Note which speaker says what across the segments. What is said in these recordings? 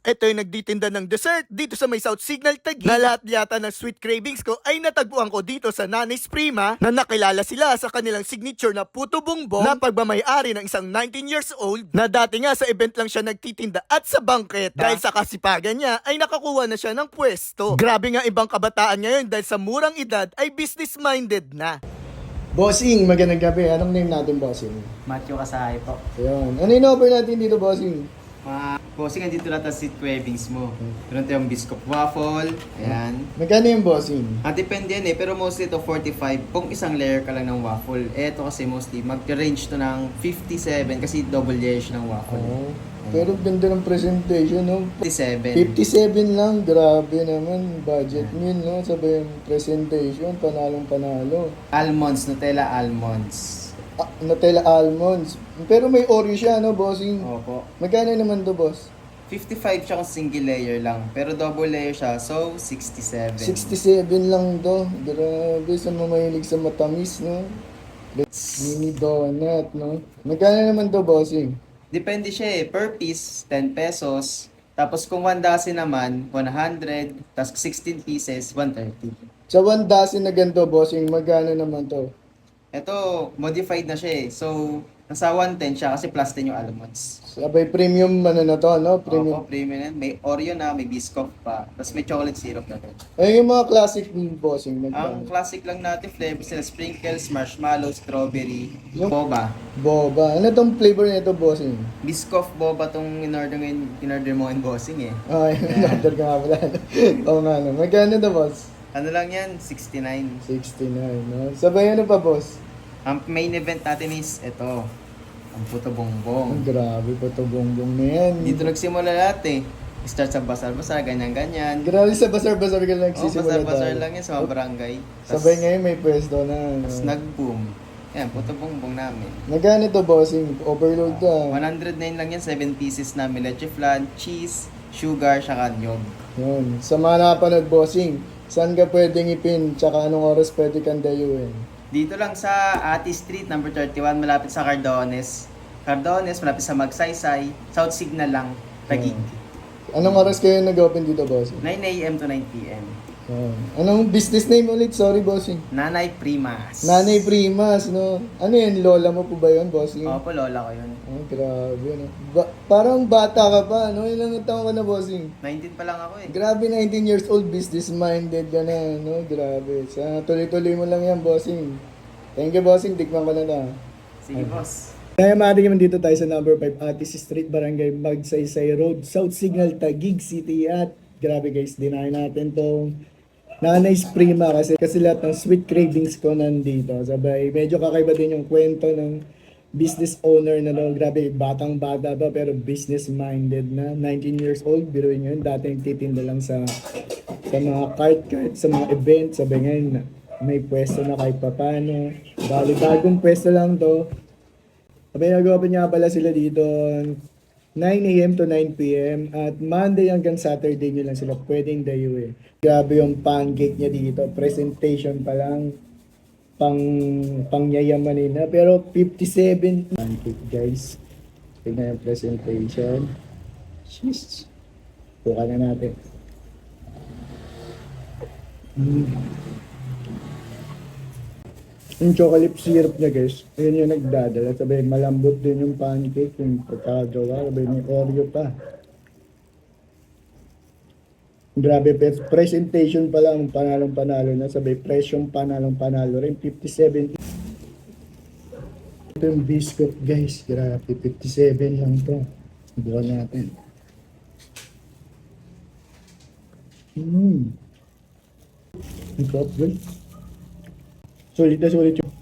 Speaker 1: Ito yung nagtitinda ng dessert dito sa may South Signal Taguig na lahat yata ng sweet cravings ko ay natagpuan ko dito sa Nanay's Prima na nakilala sila sa kanilang signature na puto bongbong na pagmamayari ng isang 19 years old na dati nga sa event lang siya nagtitinda at sa bangketa. Dahil sa kasipagan niya ay nakakuha na siya ng pwesto. Grabe nga ibang kabataan ngayon dahil sa murang edad ay business-minded na.
Speaker 2: Bossing, magandang gabi. Anong name natin, Bossing?
Speaker 3: Matthew Kasahay po.
Speaker 2: Ayun. Ano yung offer natin dito, Bossing?
Speaker 3: Mga bossing, andito lahat ang seat cravings mo. Meron tayong biscuit waffle. Ayan.
Speaker 2: Magkano yung Bossing?
Speaker 3: Depende yan pero mostly to 45 kung isang layer ka lang ng waffle. Ito kasi mostly mag-range to ng 57 kasi double layer siya ng waffle.
Speaker 2: Oh, pero ganda ng presentation, no?
Speaker 3: 57.
Speaker 2: 57 lang. Grabe naman. Budget meal, no? Sabay yung presentation. Panalong-panalo.
Speaker 3: Almonds, Nutella almonds.
Speaker 2: Nutella almonds. Pero may Oreo siya, no, Bossing?
Speaker 3: Opo.
Speaker 2: Magkano naman to, boss?
Speaker 3: 55 siya kung single layer lang. Pero double layer siya, so 67.
Speaker 2: 67 lang to. Grabe, sa mamahilig sa matamis, no? Mini donut, no? Magkano naman to, Bossing?
Speaker 3: Depende siya per piece, 10 pesos. Tapos kung 1 dozen naman, 100. Tapos 16 pieces, 130.
Speaker 2: Sa 1 dozen na ganito, Bossing, magkano naman to?
Speaker 3: Ito, modified na siya eh. So, nasa 110 siya kasi plus 10 yung almonds.
Speaker 2: Sabay premium ano na to, no? Premium.
Speaker 3: Opo, premium yan. May Oreo na, may Biscoff pa. Tapos may chocolate syrup na rin.
Speaker 2: Ay, yung mga classic Bossing,
Speaker 3: Ang
Speaker 2: magkano?
Speaker 3: classic lang natin flavors nila, sprinkles, marshmallow, strawberry,
Speaker 2: Yung-
Speaker 3: boba.
Speaker 2: Boba. Ano tong flavor nito, Bossing?
Speaker 3: Biscoff boba tong in-order mo in bossing eh.
Speaker 2: Ay, order ka nga pala. Oo nga, no? Magkano to, boss?
Speaker 3: Ano lang yan? 69.
Speaker 2: 69, no? Sabay ano pa, boss?
Speaker 3: Ang main event natin is ito. Ang puto bongbong.
Speaker 2: Ang grabe po to bongbong na yan.
Speaker 3: Dito nagsimula lahat eh. Start sa basar-basar, ganyan-ganyan.
Speaker 2: Grabe sa basar-basar ka lang
Speaker 3: Oh,
Speaker 2: nagsisimula
Speaker 3: basar-basar
Speaker 2: tayo.
Speaker 3: lang yan sa mga barangay.
Speaker 2: Sabay ngayon may pwesto na.
Speaker 3: Tapos
Speaker 2: No?
Speaker 3: nag-boom. Yan, puto bongbong namin.
Speaker 2: Magkano to, Bossing? Overload ka.
Speaker 3: 109 lang yan, 7 pieces namin. Leche flan, cheese, sugar, saka nyog.
Speaker 2: Yun. Sa mga nakapanood, Bossing, saan ka pwedeng ipin? Tsaka anong oras pwede kang dayuin?
Speaker 3: Dito lang sa Ati Street, number 31, malapit sa Cardones. Cardones, malapit sa Magsaysay. South Signal lang, Taguig.
Speaker 2: Anong oras kayo nag-open dito, Bossing?
Speaker 3: 9 a.m. to 9 p.m.
Speaker 2: Yun. Anong business name ulit? Sorry, Bossing.
Speaker 3: Nanay Primas.
Speaker 2: Nanay Primas, no? Ano yun? Lola mo po ba yun, Bossing?
Speaker 3: Opo, lola ko yun.
Speaker 2: Oh, grabe, no? Parang bata ka pa, no? Ilang taon ka na, Bossing?
Speaker 3: 19 pa lang ako eh.
Speaker 2: Grabe, 19 years old, business-minded ka na, no? Grabe. Sa tuloy-tuloy mo lang yan, Bossing. Thank you, Bossing. Tikman ko na na.
Speaker 3: Sige, boss.
Speaker 2: Kaya maaari naman dito tayo sa number 5, Atis Street, Barangay Magsaysay Road, South Signal, Taguig City. At grabe guys, dinahin natin tong Nanay's Prima kasi lahat ng sweet cravings ko nandito. Sabay, medyo kakaiba din yung kwento ng business owner na no, grabe, batang-bata ba pero business-minded na. 19 years old, biruin nyo yun. Dati nagtitinda lang sa mga cart, sa mga events. Sabay ngayon, may pwesto na kahit papano. Bali, bagong pwesto lang to. Sabay, nag-open nga pala sila dito 9 a.m. to 9 p.m. At Monday hanggang Saturday nyo lang sila pwedeng dayuin. Grabe yung pancake niya dito. Presentation pa lang. Pangyayamanin na. Pero 57 pancake, guys. Tingnan yung presentation. Sheesh. Buka na natin. Yung chocolate syrup niya, guys, yun yung nagdadala. Sabi, malambot din yung pancake, yung pagkagawa. Sabi, may Oreo pa. Grabe, presentation pa lang, panalong-panalo na. Sabi, presyong panalong-panalo rin. 57. Ito yung biscuit, guys. Grabe, 57 lang to. Bukan natin. Ang top, guys. Sulit na sulit yung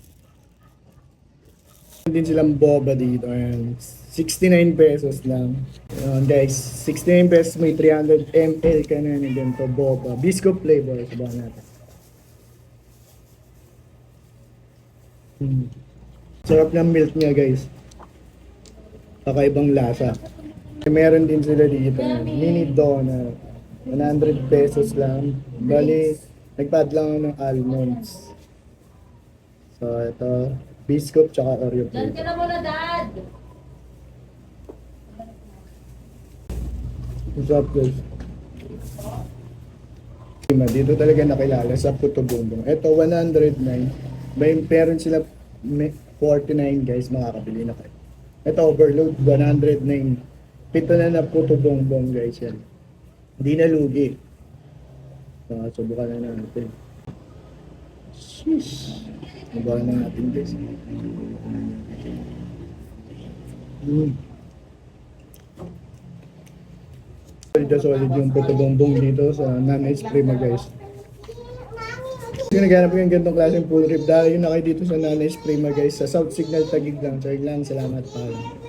Speaker 2: din silang boba dito. Ayan. 69 pesos lang. Ayan, guys, 69 pesos may 300 ml ka na ng ganito boba. Biscuit flavor. Sabahan natin. Sarap ng milk niya, guys. Kakaibang lasa. Meron din sila dito. Mini donut. 100 pesos lang. Bali, nagpad lang ako ng almonds. So, ito, biscuit tsaka Oreo
Speaker 4: Dad,
Speaker 2: flavor.
Speaker 4: ka na muna, Dad!
Speaker 2: What's up, guys? Dito talaga nakilala sa Puto Bumbong. Ito, 109. Meron sila 49, guys. Makakabili na kayo. Ito, overload, 109. Pito na Puto Bumbong, guys. Yan. Hindi na lugi. Subukan na natin. Sheesh. Subukan na natin, guys. Solid yung Puto Bumbong dito sa Nanay's Prima, guys. Kung naghanap yung gantong klaseng full rib, dahil yun na kayo dito sa Nanay's Prima, guys. Sa South Signal Taguig lang. Salamat pa.